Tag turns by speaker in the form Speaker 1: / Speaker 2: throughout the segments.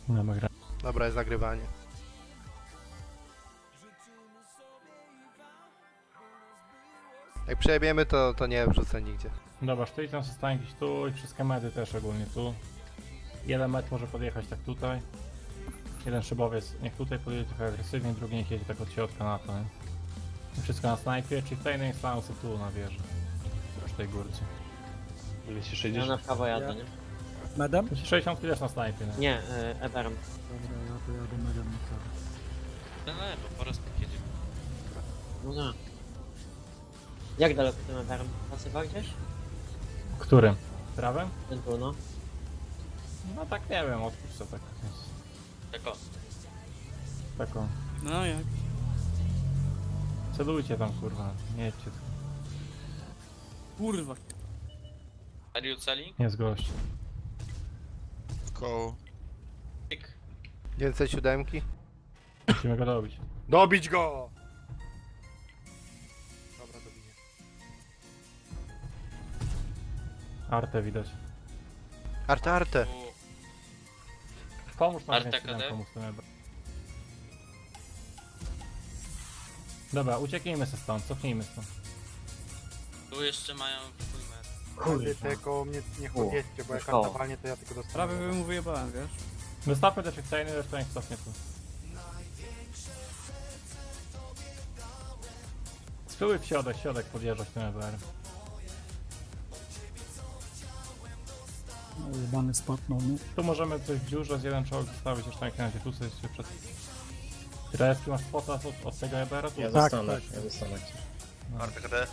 Speaker 1: Dobra.
Speaker 2: Dobra, jest nagrywanie. Jak przejebiemy, to nie wrzucę nigdzie.
Speaker 1: Dobra, sztyli tam zostanie gdzieś tu i wszystkie medy też ogólnie tu. Jeden med może podjechać tak tutaj. Jeden szybowiec niech tutaj podjedzie trochę agresywnie, drugi niech jedzie tak od środka na to, nie? I wszystko na snajpie, czyli tutaj niech staną sobie tu na wieży. Przy tej górce.
Speaker 3: Ja na prawo jadę, nie?
Speaker 4: Medem?
Speaker 1: 60 też na snajpie, nie?
Speaker 3: Nie, Eberem.
Speaker 4: Dobra, ja to jadę medem na prawo.
Speaker 5: Na lewo, po raz jedzie.
Speaker 3: No da. Jak daleko tym Eberem? Pasywa gdzieś?
Speaker 1: Którym? Prawym?
Speaker 3: Ten tu, no.
Speaker 1: No tak nie wiem, odpuść co tak jest.
Speaker 5: Tako.
Speaker 1: Taką.
Speaker 4: No jak?
Speaker 1: Celujcie tam kurwa, nie jedźcie tu.
Speaker 4: Kurwa.
Speaker 5: Are you selling?
Speaker 1: Nie z gości.
Speaker 6: Koło.
Speaker 5: Pick.
Speaker 2: Więcej siódemki?
Speaker 1: Musimy go dobić.
Speaker 2: Dobić go! Dobra, dobiję.
Speaker 1: Artę widać.
Speaker 2: Arte.
Speaker 5: U,
Speaker 1: Pomóż nam
Speaker 5: Arta
Speaker 1: wziąć
Speaker 5: KD?
Speaker 1: komu z tym ebra. Dobra, ucieknijmy se stąd, cofnijmy stąd.
Speaker 5: tu jeszcze mają full met.
Speaker 3: Kurwa.
Speaker 7: Tylko mnie nie chodźcie, bo jak
Speaker 3: Szkoła.
Speaker 7: kartowanie to ja tylko dostanę.
Speaker 4: Prawie bym mu wyjebałem, wiesz?
Speaker 1: Wystawmy te checkpointy, resztę niech cofnie tu. Spróbuj w środek podjeżdżać tym EBR.
Speaker 4: No, jebany spotnął, nie?
Speaker 1: Tu możemy coś w dziurze z jeden czołg zostawić jeszcze na razie, tu sobie się przed... Tyreski masz spota od tego EBR-a? Tu?
Speaker 8: Ja
Speaker 4: Tak,
Speaker 8: zostanę,
Speaker 4: tak.
Speaker 8: ja zostanę.
Speaker 6: Arta KD.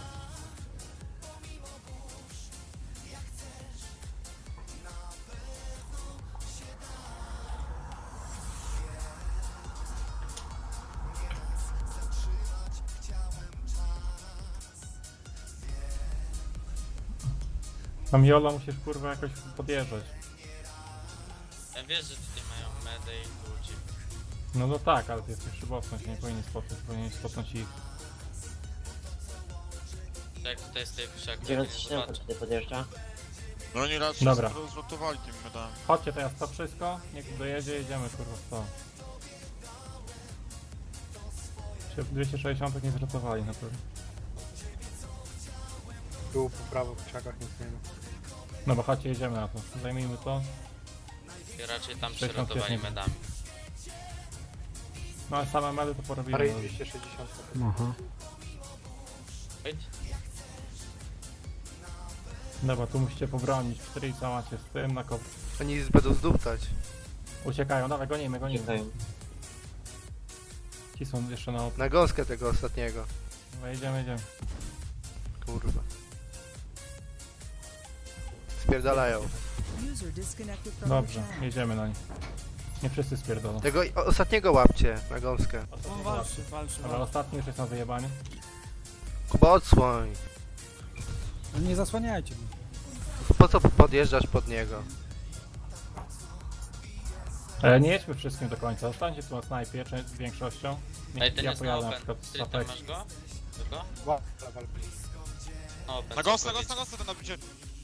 Speaker 1: Tam Jola musisz kurwa jakoś podjeżdżać.
Speaker 5: Ja wiesz, że tutaj mają medę i ludzi.
Speaker 1: No tak, ale ty jesteś szybowcem, się nie powinien spotkać, powinien spotnąć ich.
Speaker 5: Tak, tutaj jest tej wszak.
Speaker 3: 907 tutaj podjeżdża.
Speaker 6: No oni raz
Speaker 1: Dobra.
Speaker 6: się rozlotowali tym medami.
Speaker 1: Chodźcie teraz to wszystko, niech dojedzie, jedziemy kurwa w to. Się 260 nie zratowali na pewno.
Speaker 7: Tu po prawo w krzakach nic nie ma.
Speaker 1: No bo chodźcie, jedziemy na to. Zajmijmy to.
Speaker 5: I raczej tam
Speaker 1: 60
Speaker 5: przeratowali
Speaker 1: jest nie-
Speaker 5: medami.
Speaker 1: No ale same medy to porobimy.
Speaker 7: Parę
Speaker 1: no.
Speaker 7: 260.
Speaker 4: Aha.
Speaker 5: Wait.
Speaker 1: Dobra, tu musicie pobronić. 4 co macie z tym na kop.
Speaker 2: Oni będą zduptać.
Speaker 1: Uciekają, dawaj, gonimy.
Speaker 3: Czekają.
Speaker 1: Ci są jeszcze na op.
Speaker 2: Na gąskę tego ostatniego.
Speaker 1: Dobra, jedziemy.
Speaker 2: Kurwa. Spierdalają.
Speaker 1: Dobrze, jedziemy na nich. Nie wszyscy spierdolą.
Speaker 2: Tego ostatniego łapcie na gąskę.
Speaker 4: On walczy.
Speaker 1: Dobra, ostatni już jest na wyjebaniu.
Speaker 2: Kuba, odsłoń.
Speaker 4: Ale nie zasłaniajcie go.
Speaker 2: Po co podjeżdżasz pod niego?
Speaker 1: Nie jedźmy wszystkim do końca. Zostańcie tu na snajpie, czy z większością.
Speaker 5: Ej, ten
Speaker 1: Ja
Speaker 5: jest na
Speaker 1: pojadę na
Speaker 5: open.
Speaker 1: przykład z
Speaker 5: Ty tam
Speaker 1: Apex.
Speaker 5: masz go? Tylko? No, open.
Speaker 6: Na gąsce,
Speaker 5: co chodzić?
Speaker 6: ten nabicie.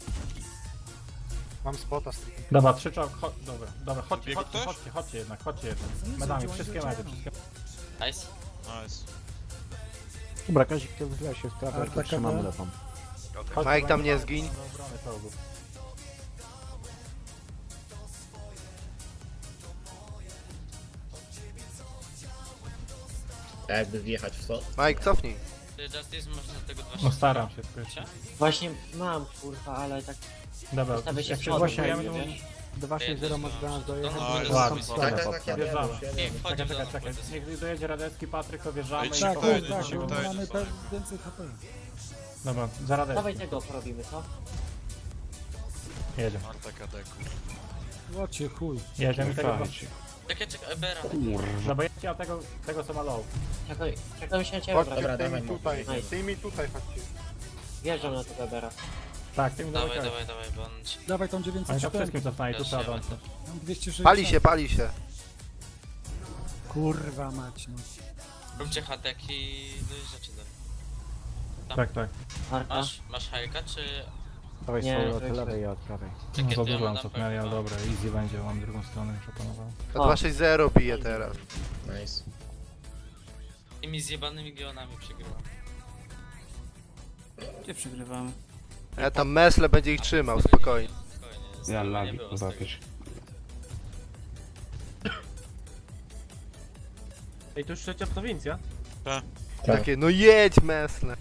Speaker 7: Mam spota stricte.
Speaker 1: Dobra, 3 czołg, dobra, chodźcie,
Speaker 6: Biegł
Speaker 1: chodźcie,
Speaker 6: ktoś?
Speaker 1: chodźcie jednak. Medami, wszystkie medy, wszystkie.
Speaker 5: Nice.
Speaker 6: Nice.
Speaker 9: Dobra, Kazik, to wychyla się w prawo,
Speaker 4: Arta
Speaker 9: to trzymamy
Speaker 4: KD?
Speaker 9: lewą.
Speaker 1: Chodźcie,
Speaker 2: Mike, tam
Speaker 1: będzie
Speaker 2: nie
Speaker 1: do
Speaker 2: zgiń.
Speaker 1: obrony czołgów.
Speaker 8: Tak jakby wjechać w to.
Speaker 2: Mike, cofnij.
Speaker 5: Ty Justice można tego 2
Speaker 1: No staram się tylko jeszcze.
Speaker 3: Właśnie mam, kurwa, ale tak...
Speaker 1: Dobra,
Speaker 3: Ustawię się
Speaker 1: jak
Speaker 3: w
Speaker 1: się
Speaker 3: przodem,
Speaker 1: zgłosiłem, to
Speaker 3: wiesz?
Speaker 7: 260 masz do nas dojechać.
Speaker 5: No,
Speaker 6: ale
Speaker 1: ładnie,
Speaker 5: ładnie.
Speaker 1: dobra,
Speaker 8: Ja
Speaker 1: wjeżdżamy.
Speaker 5: Nie, wchodzisz
Speaker 1: Czekaj,
Speaker 5: do
Speaker 1: czekaj.
Speaker 5: nas.
Speaker 1: Niech dojedzie Radecki, Patryk, to wjeżdżamy
Speaker 6: Ej,
Speaker 1: i
Speaker 6: cicho,
Speaker 4: Tak,
Speaker 1: po-
Speaker 6: Dojdzie,
Speaker 4: tak,
Speaker 6: ci
Speaker 4: bo
Speaker 6: dojdzie,
Speaker 4: mamy
Speaker 6: sorry.
Speaker 4: więcej HP.
Speaker 1: Dobra, za
Speaker 3: Dawaj
Speaker 1: Radecki.
Speaker 3: tego porobimy, co?
Speaker 1: Jedziemy.
Speaker 6: Arta KD, kurwa.
Speaker 4: Łocie chuj.
Speaker 1: Jedziemy tego.
Speaker 5: Czekaj, Ebera.
Speaker 1: No bo jedźcie na tego co ma low.
Speaker 3: Czekam się na ciebie,
Speaker 7: Chodźcie
Speaker 3: brat.
Speaker 8: Dobra,
Speaker 7: tymi
Speaker 8: dawaj,
Speaker 7: tutaj,
Speaker 3: Nice.
Speaker 7: tymi tutaj chodźcie.
Speaker 3: Wjeżdżam na tego Ebera.
Speaker 1: Tak, tym
Speaker 5: Dawaj,
Speaker 1: dawaj.
Speaker 5: dawaj, bo on ci...
Speaker 4: Dawaj tą
Speaker 1: Oni tam
Speaker 4: 904.
Speaker 1: wszystkim cofnęli, tu
Speaker 5: Też
Speaker 1: trzeba
Speaker 5: nie
Speaker 1: dążyć.
Speaker 5: będę.
Speaker 4: Mam 260.
Speaker 2: Pali się.
Speaker 4: Kurwa mać, no.
Speaker 5: Róbcie hateki, no i rzeczy dalej.
Speaker 1: Tak, tak.
Speaker 3: Arta.
Speaker 5: Masz hajka, czy...
Speaker 9: Dawaj
Speaker 3: Nie,
Speaker 9: sobie od
Speaker 3: to
Speaker 9: lewej i od prawej.
Speaker 1: No,
Speaker 5: Czekaj,
Speaker 1: za
Speaker 5: to ja
Speaker 1: dużo
Speaker 5: mam
Speaker 1: nam cofnęli, ale dobra, easy będzie, mam drugą stronę już opanował.
Speaker 2: To
Speaker 3: O.
Speaker 2: 260 bije teraz.
Speaker 8: Nice.
Speaker 5: Tymi zjebanymi geonami przegrywa.
Speaker 4: Gdzie przegrywamy?
Speaker 2: Ja tam Mesle będzie ich trzymał, spokojnie.
Speaker 5: Spokojnie.
Speaker 8: Ja
Speaker 5: nie
Speaker 8: lagi,
Speaker 5: było z tego.
Speaker 8: zapisz.
Speaker 7: Ej, to już trzecia prowincja?
Speaker 8: Tak.
Speaker 2: Takie, no jedź Mesle.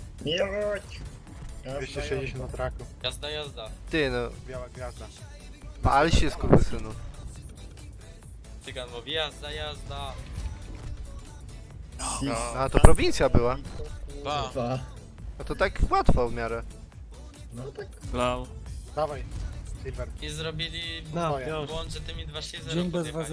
Speaker 7: 260 na traku.
Speaker 5: Jazda, jazda.
Speaker 2: Ty no,
Speaker 7: Biała gwiazda.
Speaker 2: pal się skurwysynu.
Speaker 5: Tygan mówi jazda, jazda.
Speaker 6: No.
Speaker 2: A to prowincja była.
Speaker 6: Tak.
Speaker 2: No to tak łatwo w miarę.
Speaker 4: Lał.
Speaker 7: Dawaj, Silver.
Speaker 5: I zrobili
Speaker 7: No,
Speaker 5: błąd, że tymi 2 się
Speaker 4: Dzień bez was